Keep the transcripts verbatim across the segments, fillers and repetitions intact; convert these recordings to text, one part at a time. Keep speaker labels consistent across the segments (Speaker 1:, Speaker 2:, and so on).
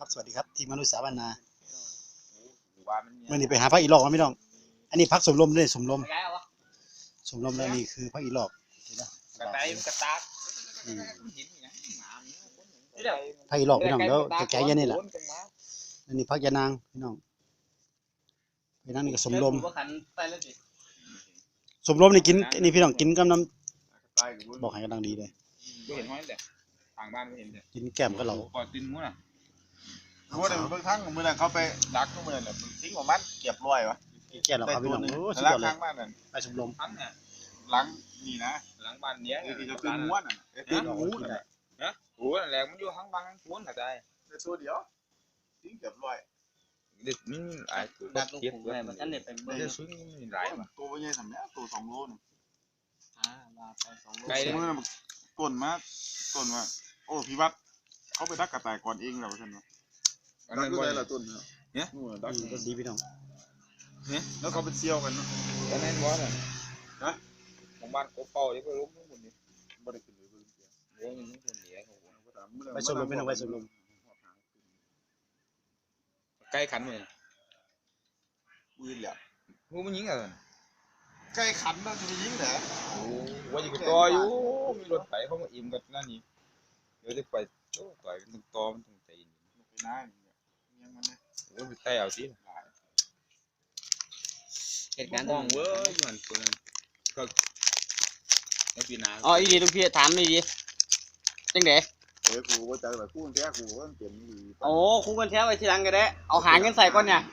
Speaker 1: สวัสดีครับทีมมนุษย์สาบานนาเมื่อนี้ไปหาพักอีหลอกมาไม่ต้องอันนี้พักสมลมด้วยสมลมสมลมแล้วนี่คือพักอีหลอก
Speaker 2: กระต่ายมันกระตาก
Speaker 1: พักอีหลอกพี่น้องแล้วแก่ๆยันนี่แหละอันนี้พักยานางพี่น้องพี่น้องนี่ก็สมลมสมลมนี่กินนี่พี่น้องกินกับน้ำบอกให้กำลังดีเลย
Speaker 2: ก็เห็นห้อยแต่ทางบ้านก็เห็นแต่
Speaker 1: กินแก้มก็เหลา
Speaker 2: ปอดตินมั้งน่ะ
Speaker 3: รู้ว่าเดี๋ยวเพิ่งทั้งมือนั่นเขาไปดักทุกมือเนี่ยทิ้งของมันเก็บรอยวะ
Speaker 1: แก้เราครับพี่น้องโอ้สุดยอดเลยไปสมลม
Speaker 3: ทั้งเนี่ยหลังนี่นะ
Speaker 2: หลังบ้านเนี้ย
Speaker 3: คือจะเป็นม้วนอ่ะเป็นหมูน่ะ
Speaker 2: นะโอ้แหลกมันอยู่ทั้งบางทั้งม้วนกระจาย
Speaker 3: ในตัวเดียวทิ้งเก็บรอย
Speaker 2: เด็กนี่หลายตัว
Speaker 4: ดักลูกผมเลยมันนั่นเนี่ยเป็นเบอร์
Speaker 2: ซึ้งนี่หลายว่ะ
Speaker 3: ตัวใหญ่สำเนี้ยตัวสองโลนึง
Speaker 4: อ่ามาไปสองโล
Speaker 3: ไก่มือน่ะต้นมาต้นมาโอ้พี่วัดเขาไปดักกระต่ายก่อนเองแล้วใช่ไหมดักได้ละต้นเนี่ย
Speaker 1: ดักดีพี่น้อง
Speaker 3: เนี่ยแล้วเขาไปเชี่ยวกันเนาะ
Speaker 2: ตอนนั้นว่าน่ะฮะของบ้านกบเป่าที่ไปล้มทั้งหมดนี่
Speaker 3: บ่ได้ขึ้นเลยเพิ่น
Speaker 2: เลี้ยงนี่คนเหลียง
Speaker 1: ไปสมลมพี่น้องไปสมลม
Speaker 2: ไก่ขันเลย
Speaker 3: ปืนแหละ
Speaker 2: งูมันยิงอะไร
Speaker 3: ไก่ขันน่าจะไปยิงเหรอ
Speaker 2: โอ้ว่าอยู่กับตัวอยู่มีรถไถเขามาอิ่มกันนั่นนี่เดี๋ยวจะไปโอ้ต่อยกันตรงตอมันตรงใจ
Speaker 3: ไปน้ายังมันเนี่ย
Speaker 2: โอ้ยไปเอาสิ
Speaker 4: เหตุการณ์
Speaker 2: มองเว้ยเหมือนคนก็ไอ้ปีนา
Speaker 4: อ๋ออีดีทุกพี่ถามอีดีจังเด๋
Speaker 3: เอ้ยกูว่าจะแบบกูแท้กูว่าเปลี่ยนดี
Speaker 4: โอ้คู่กันแท้ไว้ทีหลังก็ได้เอาหาเงินใส่ก่อนเนี่ย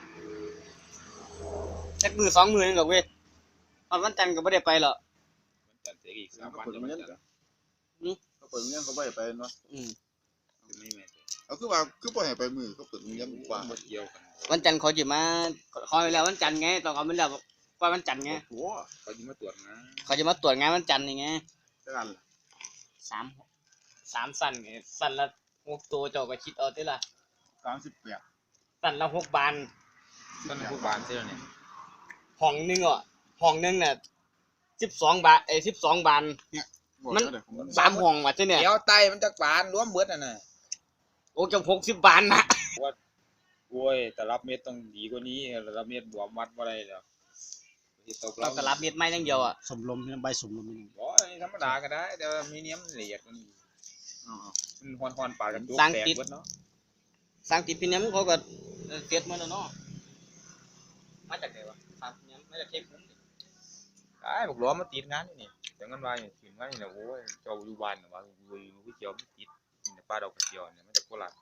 Speaker 4: จักมือสองมือนึงกับเว้ยตอนวันจันทร์ก็ไม่ได้ไปหรอก
Speaker 2: วันจันทร์เสียอีกสามวันจะ
Speaker 3: มาจันทร์เขาเปิดเงี้ยเขาไม่ไปเนาะ
Speaker 4: อืม
Speaker 3: เอาคือว่าคือปล่อยไปมือเขาเปิดเงี้ยกว่า
Speaker 2: เกี่ยวกัน
Speaker 4: วันจันทร์เขาจะมาคอยแล้ววันจันทร์ไงต้องเอาไปแล้วว่าวันจันทร์ไง
Speaker 2: เขาจะมาตรวจงาน
Speaker 4: เขาจะมาตรวจงานวันจันทร์ยังไงสามสามสั้นไงสั้นละหกตัวเจ้าก็คิดเอาได้ละ
Speaker 3: สามสิบแปด
Speaker 4: สั้นละหกบาน
Speaker 2: สั้นละหกบานเท่านี้
Speaker 4: ห้องนึงอ่ะห้องนึงเนี่ยสิบสองบาทไอ้สิบสองบานมันสามห้องว่ะเจ้าเนี่ย
Speaker 2: เดี๋ยวไตมันจะบานรวมเบิดน่ะน่ะ
Speaker 4: โอ้จะหกสิบบานนะ
Speaker 2: ว่าโอ้ยแต่รับเม็ดต้องดีกว่านี้รับเม็ดบวมวัดบ่ได้แล้ว
Speaker 4: เราแต่รับเม็ดไม่ทั้งเดียวอ่ะ
Speaker 1: สมลมใบสมลมนี่
Speaker 2: โอ้ยธรรมดาก็ได้เดี๋ยวมีเนียมละเอียดมันมันฮอนๆปากกันตัวแตกเบิดเนาะ
Speaker 4: สร้างติดพินัมเขาก็เสียดมาแล้วเนาะมาจากไหนวะสร้างพินัมมาจากเทพบุญ
Speaker 2: ไอ้บอกล้อมาติดงานนี่แต่งานวายถึงงานนี่นะโอ้ยเจ้าอยู่บ้านนะว่าลุยลุยเกี่ยวไม่ติดนี่ป้าดอกเกี่ยวเนี่ยมาจากโคราช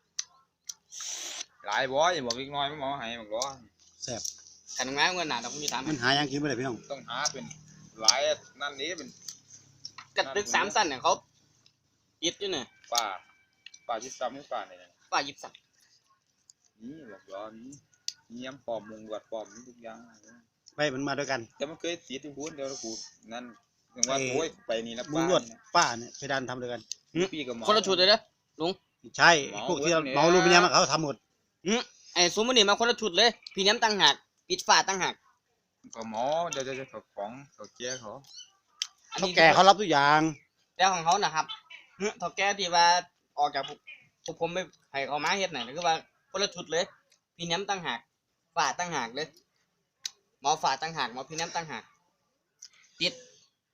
Speaker 2: หลายบ่อยบอกเล็กน้อยไม่หมอให้บอกล้อ
Speaker 1: แซ่บ
Speaker 4: ขันงานเงินหนาต้องมีสาม
Speaker 1: มันหายังกินไม่ได้พี่น้อง
Speaker 2: ต้องหาเป็นหลายนั่นนี้เป็น
Speaker 4: กระตึกสามสั้นเนี่ยเขายึดอยู่เนี่ย
Speaker 2: ป้าป้ายึดซ้ำให้ป้าเนี่ย
Speaker 4: ป้ายึดซ้
Speaker 2: ำนี่บอกล้อนี้เยี่ยมปอมมงวัดปอมทุกอย่าง
Speaker 1: ไปมันมาด้วยกัน
Speaker 2: แต่มันเคยติดที่พูดเดี๋ยวเราพูดนั่นอย่างว่าโอ้ยไปนี่นะ
Speaker 1: ป้าป้าเนี่ยไปดันทำด้วยกัน
Speaker 4: คนละชุดเลยนะลุง
Speaker 1: ใช่พวกที่เมาลูกพี่น้ำเขาทำหมด
Speaker 4: ไอ้สมมตินี่มาคนละชุดเลยพี่น้ำตั้งหักปิดฝาตั้งหัก
Speaker 2: ก็หมอเดี๋ยวจะเขาของเขาเจ้าเขา
Speaker 1: เขาแก่เขารับทุกอย่าง
Speaker 4: แล้วของเขานะครับเขาแก่ที่ว่าออกจากพวกผมไม่ให้เขามาเฮ็ดไหนก็ว่าคนละชุดเลยพี่น้ำตั้งหักฝาตั้งหักเลยหมอฝาตั้งหักหมอพี่น้ำตั้งหักติด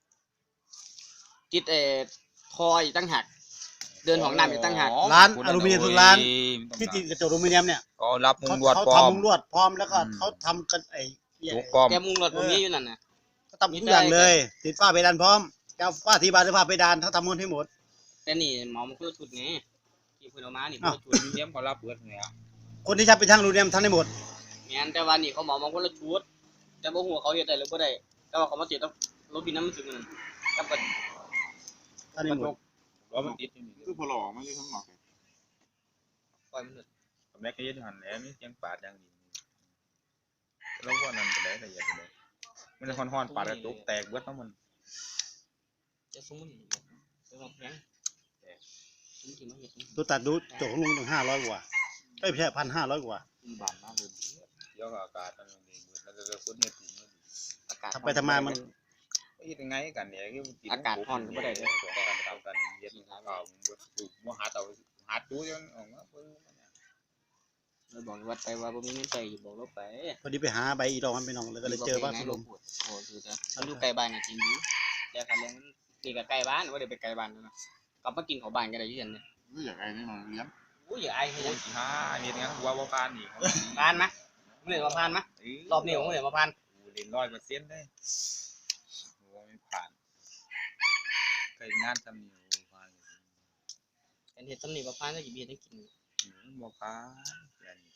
Speaker 4: ติดเอ่อทอยตั้งหักเดินของน้ำอยู่ตั้งหัก
Speaker 1: ร้านอลูมิเนียมทุกร้านที่ติดกระจกอลูมิเนียมเนี่ย
Speaker 2: ก็รับมุงลวด
Speaker 1: พร้อมเขาทำมุงลวดพร้อมแล้วก็เขาทำกันไอ้
Speaker 4: แกมุงลวดผมนี้อยู่นั่นนะ
Speaker 1: เขาทำทุกอย่างเลยติดฝ้าเพดานพร้อมแก้วฝ้าที่บานหรือฝ้าเพดานเขาทำหมดให้หมด
Speaker 4: แต่นี่หมอมันคือชุดนี้ที่เพิ่นเอามานี่
Speaker 2: เป็นชุดเนียมเขารับเบิดเลยอ่ะ
Speaker 1: คนที่ใช้ไปทางอลูมิเนียมทำได้หมด
Speaker 4: งั้นแต่ว่านี่เขาหมอมาคนละชุดแต่บ่ฮู้เขาเฮ็ดได้หรือบ่ได้แต่ว่าเขามาติดต้องรถบินน้ำมันถึงนั่นกับกัน
Speaker 1: อันนี้หมด
Speaker 2: ล้อมันติด
Speaker 3: คือพอหล่อไม่ใช่ทั้งหมด
Speaker 4: ปล่อยมันเลย
Speaker 2: แม็กก็ยึดหันแล้วมียังปาดยังดีแล้วว่านั่นก็ได้ละเอียดเลยมันจะฮอนๆปาดกระตุกแตกเบิดทั้งมัน
Speaker 4: จะซุ้มมันจะแบบยัง
Speaker 1: ตัวตัดดูจกของลุงถึงห้าร้อยกว่าไม่ใช่พันห้าร้อยกว่า
Speaker 2: บานมากเลยเดี๋ยวอากาศมันดีเราจะคนเนี่ยถึง
Speaker 1: อากาศทำไปทำมามัน
Speaker 2: ยังไงกันเนี่ย
Speaker 4: อากาศร้อนก็ได้เลย
Speaker 2: การทำการเย็นเขามัวหาเตาหาตู้จนออกมา
Speaker 4: เราบอกวัดไปว่าบ่มีเงินใส่บอกเราไป
Speaker 1: พอดีไปหาใบอีดอกมันพี่น้องแล้วก็เลยเจอพักสมรม
Speaker 4: โอ้คือจะมันอยู่ใกล้บ้านจริงอยู่แล้วคันเรื่องนี่ก็ใกล้บ้านว่าเดี๋ยวไปไกลบ้านนะกลับมากินของบ้านก็ได้ยืนเนี่ย
Speaker 3: นี่อย่างไรนี่มันเลี้ยง
Speaker 4: อู้อย่าอายให้
Speaker 2: โอ้
Speaker 4: ยั
Speaker 2: ย
Speaker 4: ง
Speaker 2: สิหาอันนี้งั้นกูว่าบ่ผ่านนี่
Speaker 4: ผ่านมะมึงเห็นมาผ่านมะรอบนี้มึงเห็นมาผ่าน
Speaker 2: กูเล่นร้อยเปอร์เซ็นต์เลยโอ้ไม่ผ่านเคยงานทำนี่โอ้ผ่าน
Speaker 4: เป็นเห็ดตำหนิมาผ่านก็หยิบเห็ดให้กิน
Speaker 2: อืมบ่ผ่านอย่างนี้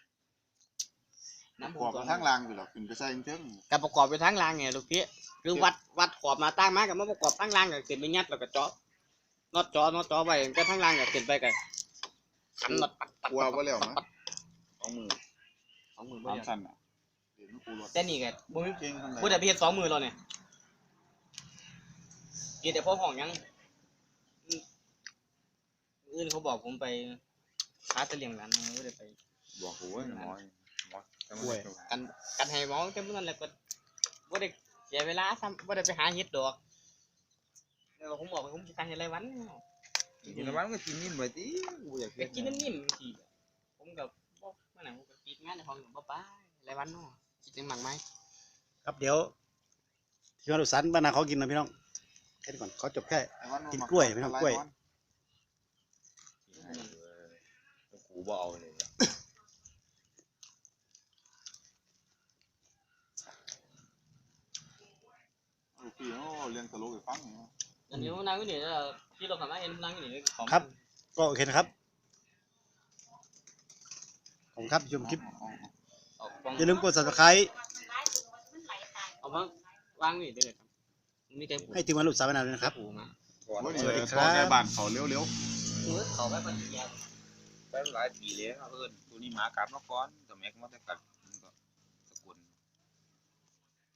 Speaker 4: น้ำ
Speaker 3: ข
Speaker 4: ผ
Speaker 3: อบ
Speaker 4: ม
Speaker 3: ไปทางล่างอยู่หรอกขึ้นไปใส่เชิง
Speaker 4: การประกอบไปทั้งรางไงลูกพี่คือวัดวัดขอบมาตั้งมากับมาประกอบทั้งรางก็ขึ้นไปยัดแล้วก็เจาะน็อตเจาะน็อตเจาะไปก็ทั้งรางก็ขึ้นไปกันขันน็อตปัดปัด
Speaker 3: กลัวว่าแล้วนะสองมือ
Speaker 4: สองมือ
Speaker 3: สามสั้นอ่ะเดี๋ยวกูรถ
Speaker 4: แต่นี่ก็บ่มี
Speaker 3: เก่งทางไหน
Speaker 4: พูดแต่เพียรสองมือเราเนี่ยกินแต่พวกของยังอืมอื่นเขาบอกผมไปหาตะเลียงร้านมาไม่ได้ไป
Speaker 2: บอกโอ้ยหมอหมอแต่มัน
Speaker 4: กันกันให้หมอแต่เมื่อนั้นแหละก็บ่ได้เสียเวลาซ้ำบ่ได้ไปหาเฮ็ดดอกแล้วผมบอกว่าผมสิทางเฮ็ดไรวัน
Speaker 2: กินแล้วมันก็กินนิ่มไปติกูอยาก
Speaker 4: ไปกินนิ่มๆบางทีผมก็บ่เมื่อไหร่ผมก็กินงานในห้องก็บ่ไปไรวันเนาะคิดถึงหมักไหม
Speaker 1: ครับเดี๋ยวที่มาดุสันบ้านนาเขากินนะพี่น้องแค่นี้ก่อนเขาจบแค่ กินกล้วยไม่ต้องกล้วย
Speaker 2: กูบ่เอาเลย
Speaker 3: พี่โอ้เรียนตลกให้ฟังเนี่ย
Speaker 4: อันนี้ผมนั่งอยู่นี่แล้วที่เราทำมาเห็นนั่งอยู่นี่ของ
Speaker 1: ครับ ก็โอเคนะครับขอบคุณครับชมคลิป
Speaker 4: เอาของ
Speaker 1: อย่าลืมกด subscribe
Speaker 4: เอามาวางนี่ได้เลยครับมีแต่
Speaker 1: ให้ถึงวันหลุดสามนาทีนะครับ
Speaker 4: ปูมา
Speaker 2: ก่อน
Speaker 3: โอ้ย
Speaker 1: สวัสดี
Speaker 3: นี่
Speaker 1: ครับ
Speaker 3: พอแกบ้านเขาเร็ว
Speaker 4: เออเขาไปปฏิญาณ
Speaker 2: ไปหลายปีแล้วเอิ้นตัวนี้หมากลับมาก่อนแต่แม็กมาแต่กัด